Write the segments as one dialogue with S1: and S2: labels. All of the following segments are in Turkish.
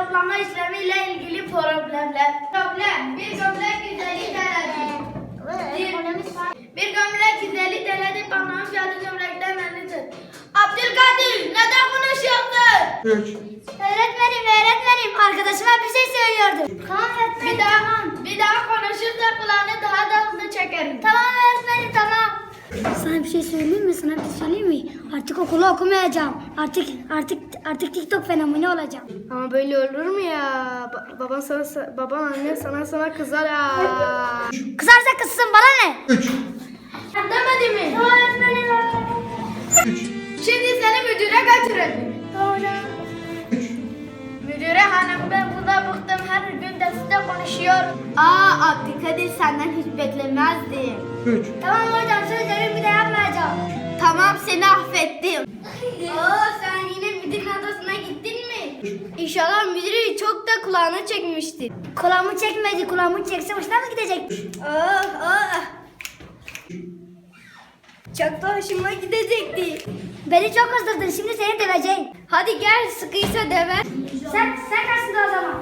S1: toplama işlemiyle ilgili problemler. Problem. Bir gömlek 150 TL'dir. Bir gömlek 150 TL'dir. Pantolonun fiyatı gömlekten 50'dir. Abdülkadir neden konuşuyorsun?
S2: 3.
S3: Öğretmenim arkadaşıma bir şey söylüyordum. Tamam öğretmenim.
S1: Bir daha konuşursa kulağını daha da hızlı çekerim.
S3: Tamam öğretmenim tamam. Sana bir şey söyleyeyim mi? Artık okulu okumayacağım. Artık TikTok fenomeni olacağım.
S1: Ama böyle olur mu ya? Baban anne sana kızar ya.
S3: Kızarsa kızsın bana ne?
S2: 3.
S1: Demedi mi?
S3: Tamam öğretmenim.
S1: 3. Şimdi seni müdüre götürelim.
S3: Tamam hocam.
S2: 3.
S1: Müdüre hanım ben burada bıktım. Her gün derste konuşuyorum. Abdülkadir senden hiç beklemezdim.
S2: 3.
S3: Tamam hocam söz veriyorum bir de yapmayacağım.
S1: Tamam seni affettim. Sen yine müdürün odasına gittin mi? İnşallah müdürü çok da kulağına çekmiştir.
S3: Kulağımı çekmedi. Kulağımı çekse hoşuna mı gidecek?
S1: Çok da hoşuma gidecekti.
S3: Beni çok kızdırdın. Şimdi seni döveceğim.
S1: Hadi gel sıkıysa deve.
S3: Sen karşısında o zaman.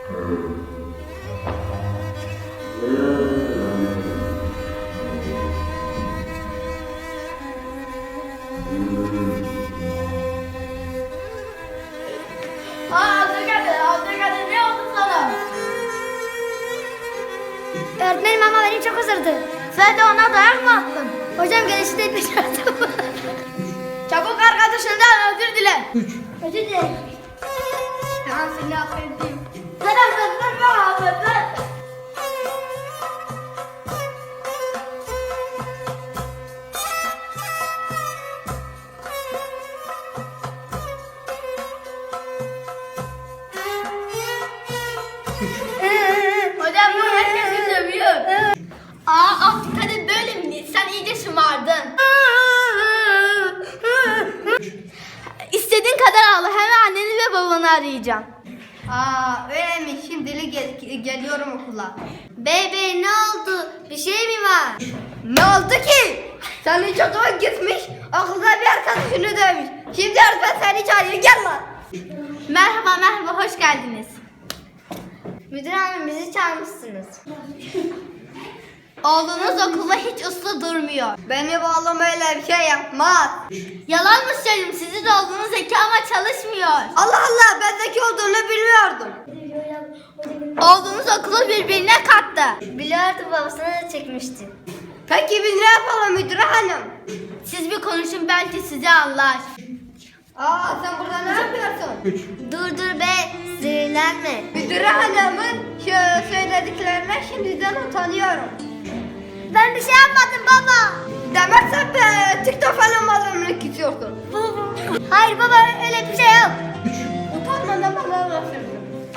S1: Abdülkadir ne oldu sana?
S3: Öğretmenim ama beni çok kızdırdı.
S1: Sen de ona dayak mı attın?
S3: Hocam gelişi de dışarıda.
S1: Çabuk arkadaşından özür dile.
S2: 3.
S3: Özür dilerim.
S1: Tamam seni affettim.
S3: Sen affetmem bana affetmem.
S1: Hocam bu herkesi dövüyor. Abdülkadir böyle mi? Sen iyice şımardın. İstediğin kadar ağla. Hemen anneni ve babanı arayacağım. Öyle mi? Şimdilik geliyorum okula. Bebe ne oldu? Bir şey mi var? Ne oldu ki? Senin çocuğun gitmiş, okulda bir arkadaşını dövmüş. Şimdi öğretmen seni çağırıyor, gel lan. Merhaba, hoş geldiniz. Müdür hanım bizi çağırmışsınız. Oğlunuz okulda hiç uslu durmuyor. Benim oğlum öyle bir şey yapmaz. Yalan mı söyleyeyim? Sizin oğlunuz zeki ama çalışmıyor. Allah Allah, ben zeki olduğunu bilmiyordum. Oğlunuz okulu birbirine kattı. Biliyordum, babasına da çekmişti. Peki biz ne yapalım müdür hanım? Siz bir konuşun, belki sizi anlar. Sen burada ne yapıyorsun?
S2: 3.
S1: Dur be, sinirlenme. Müdür hanımın söylediklerine şimdiden utanıyorum.
S3: Ben bir şey yapmadım baba.
S1: Demezsen be, TikTok falan malımlık istiyorsun.
S3: Hayır baba öyle bir şey yok.
S2: 3.
S1: Utanmadan bana lafıyorsun.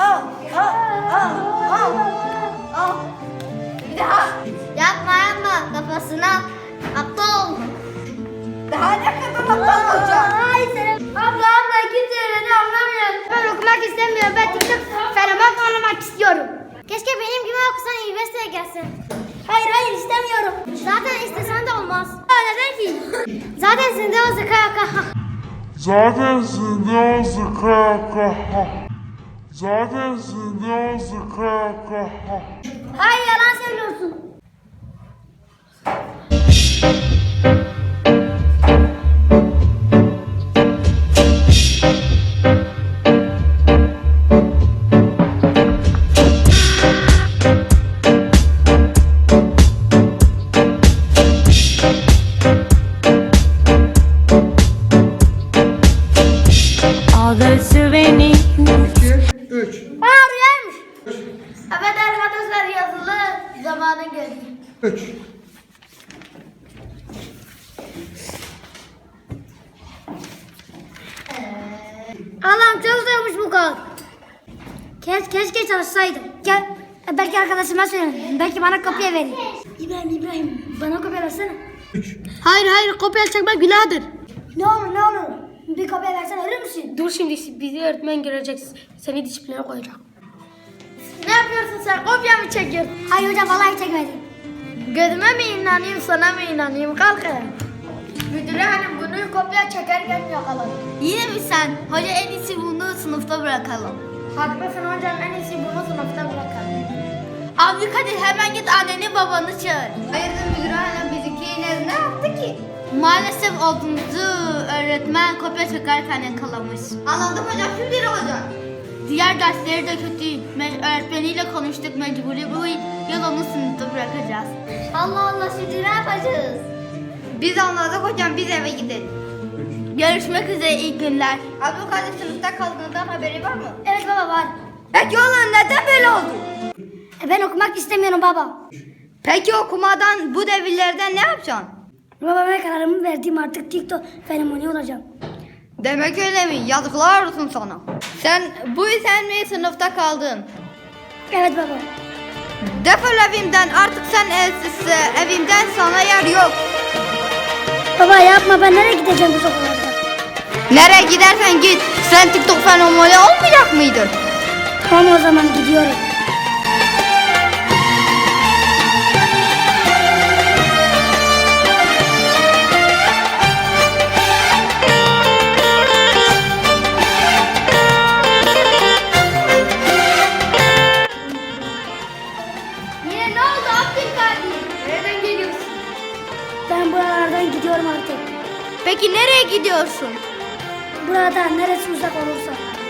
S1: Bir daha. Yapma, kafasına aptal. Daha ne kadar aptal olacak?
S3: Hayır senin. Abla kimse beni anlamıyor. Ben okumak istemiyorum. Ben TikTok fenomen olmak istiyorum. Keşke benim gibi okusan üniversiteye gelsin. Hayır istemiyorum. Zaten istesen de olmaz. Neden ki? Zaten sende o zeka.
S4: Zaten sende o zıkaka. Zaten sende o zıkaka.
S3: Hayır yalan söylüyorsun.
S2: İki, üç.
S3: Rüyaymış.
S1: Evet arkadaşlar, yazılı zamanı geldi.
S2: 3.
S3: Allah'ım çok zormuş bu kod. Keşke çalışsaydım. Gel. Belki arkadaşıma söylerim. Belki bana kopya verir. İbrahim bana kopya versene.
S2: 3.
S1: Hayır, kopya çekmek günahdır.
S3: Ne olur. Bir kopya versene verir misin?
S1: Dur şimdi bizi öğretmen görecek. Seni disipline koyacak. Ne yapıyorsun sen? Kopya mı çekiyorsun?
S3: Hayır hocam vallahi çekmedim.
S1: Gözüme mi inanayım, sana mı inanayım? Kalk ayağa. Müdüre hanım bunu kopya çekerken yakaladı. Yine mi sen? Hoca en iyisi bunu sınıfta bırakalım.
S3: Haklısın hocam, en iyisi bunu sınıfta bırakalım.
S1: Abdülkadir hemen git anneni babanı çağır. Hayırdır müdür hanım bizimki ne yaptı ki? Maalesef oğlumuzu öğretmen kopya çekerken yakalamış. Anladım hocam, şimdi ne olacak? Diğer dersleri de kötü. Öğretmeniyle konuştuk, mecburi bu yıl onu sınıfta bırakacağız.
S3: Allah Allah, şimdi ne yapacağız?
S1: Biz anladık hocam, biz eve gidelim. Görüşmek üzere, iyi günler. Abdülkadir sınıfta kaldığından haberi var mı?
S3: Evet baba, var.
S1: Peki oğlum neden böyle oldu?
S3: Ben okumak istemiyorum baba.
S1: Peki okumadan bu devirlerden ne yapacaksın?
S3: Baba, ben kararımı verdim, artık TikTok fenomeni olacağım.
S1: Demek öyle mi? Yazıklar olsun sana. Sen bu yüzden mi sınıfta kaldın?
S3: Evet baba.
S1: Defol evimden, artık sen evsizse evimden sana yer yok.
S3: Baba yapma, ben nereye gideceğim bu sokaklarda?
S1: Nereye gidersen git. Sen TikTok fenomeni olmayacak mıydın?
S3: Tamam, o zaman gidiyorum.
S1: Yine ne oldu Abdülkadir? Nereden geliyorsun?
S3: Ben buralardan gidiyorum artık.
S1: Peki nereye gidiyorsun?
S3: Buradan neresi uzak olursa.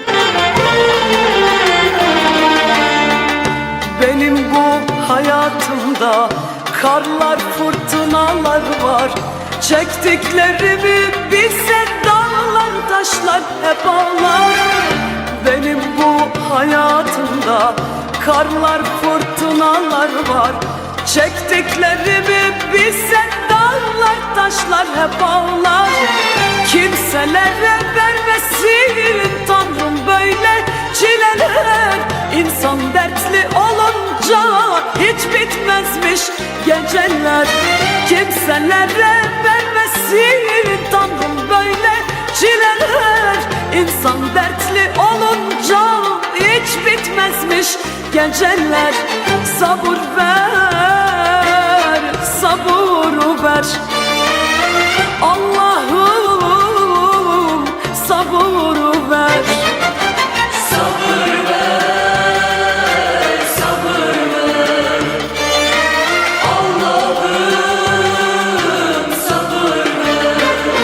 S5: Benim bu hayatımda karlar, fırtınalar var. Çektiklerimi bilse dağlar, taşlar hep ağlar. Benim bu hayatımda karlar, fırtınalar var. Çektiklerimi bilse dağlar, taşlar hep ağlar. Kimselere vermesin Tanrım böyle çileler. İnsan dertli olunca hiç bitmezmiş geceler. Kimselere vermesin Tanrım böyle çileler. İnsan dertli olunca hiç bitmezmiş geceler. Sabır ver, sabır ver. Allah'ım sabır ver. Sabır ver, sabır ver. Allah'ım sabır ver.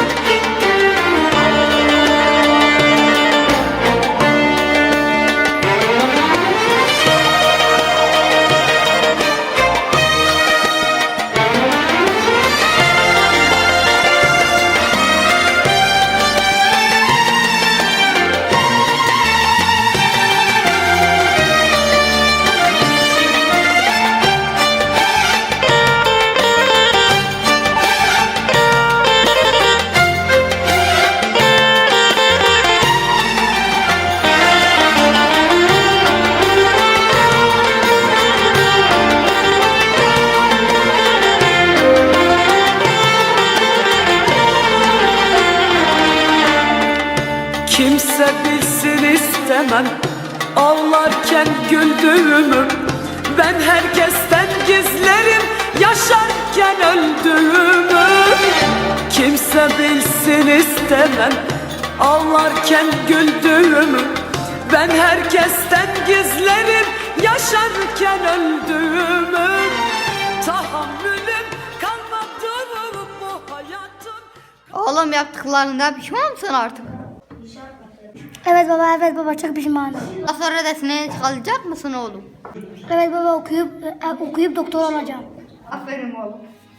S5: Kimse bilsin istemem ağlarken güldüğümü. Ben herkesten gizlerim yaşarken öldüğümü. Kimse bilsin istemem ağlarken güldüğümü. Ben herkesten gizlerim yaşarken öldüğümü. Tahammülüm kalmadı bu hayatın.
S1: Oğlum yaptıklarından pişman mısın artık?
S3: Evet baba, çok pişmanım.
S1: Daha sonra dersine kalacak mısın oğlum?
S3: Evet baba, okuyup doktor olacağım.
S1: Aferin oğlum.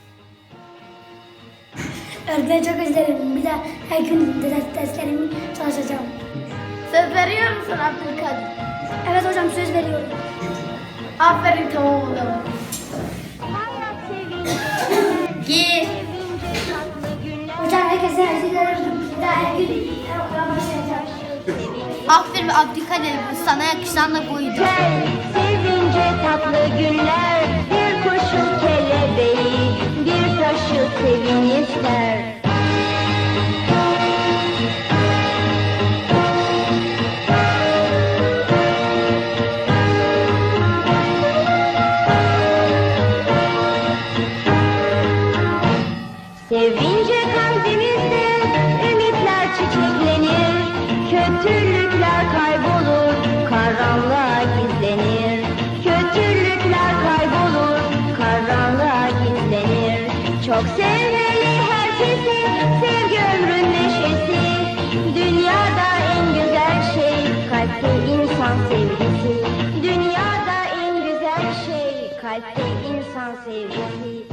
S3: Öğretmeni çok özlerim. Bir de her gün derslerimi çalışacağım.
S1: Söz veriyor musun Abdülkadir?
S3: Evet hocam, söz veriyorum.
S1: Aferin, tamam o zaman. Gir.
S3: Hocam herkese özür dilerim. Bir daha her gün okula başlayacağım.
S1: Aferin Abdülkadir, sana yakışan da buydu.
S6: Sevince tatlı günler, bir kuşun kelebeği, bir taşı sevin ister. Sevince kalbimizde ümitler çiçeklenir, kötülükler kaybolur, karanlıklar karanlığa gizlenir. Kötülükler kaybolur, karanlığa gizlenir. Çok sevmeli herkesi, sevgi ömrün neşesi. Dünyada en güzel şey kalpte insan sevgisi. Dünyada en güzel şey kalpte insan sevgisi.